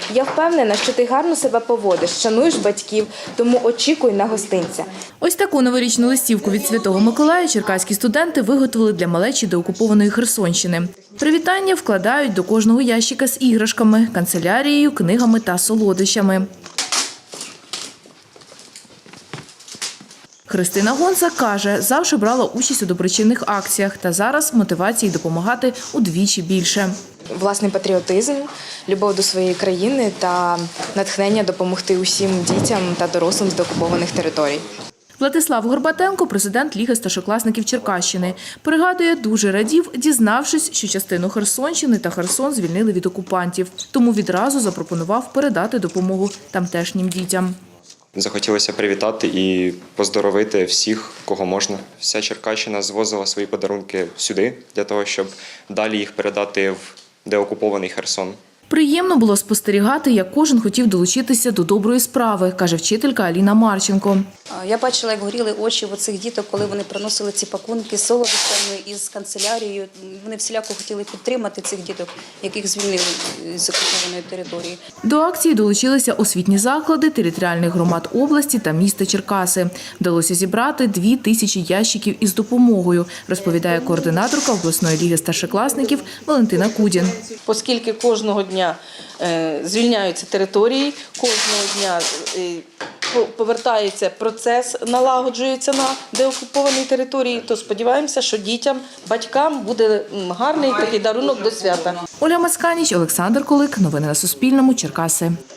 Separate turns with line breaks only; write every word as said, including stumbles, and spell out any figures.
Я впевнена, що ти гарно себе поводиш, шануєш батьків, тому очікуй на гостинця.
Ось таку новорічну листівку від Святого Миколая черкаські студенти виготовили для малечі деокупованої Херсонщини. Привітання вкладають до кожного ящика з іграшками, канцелярією, книгами та солодощами. Христина Гонца каже, завжди брала участь у доброчинних акціях та зараз мотивації допомагати удвічі більше.
Власний патріотизм, любов до своєї країни та натхнення допомогти усім дітям та дорослим з деокупованих територій.
Владислав Горбатенко, президент Ліги старшокласників Черкащини, пригадує, дуже радів, дізнавшись, що частину Херсонщини та Херсон звільнили від окупантів. Тому відразу запропонував передати допомогу тамтешнім дітям.
Захотілося привітати і поздоровити всіх, кого можна. Вся Черкащина звозила свої подарунки сюди, для того, щоб далі їх передати в деокупований Херсон.
Приємно було спостерігати, як кожен хотів долучитися до доброї справи, каже вчителька Аліна Марченко.
Я бачила, як горіли очі у цих діток, коли вони приносили ці пакунки з солодощами із канцелярією. Вони всіляко хотіли підтримати цих діток, яких звільнили з окупованої території.
До акції долучилися освітні заклади територіальних громад області та міста Черкаси. Вдалося зібрати дві тисячі ящиків із допомогою, розповідає координаторка обласної ліги старшокласників Валентина Кудін.
Оскільки кожного дня звільняються території, кожного дня повертається процес, налагоджується на деокупованій території, то сподіваємося, що дітям, батькам буде гарний такий дарунок до свята.
Оля Масканіч, Олександр Колик. Новини на Суспільному. Черкаси.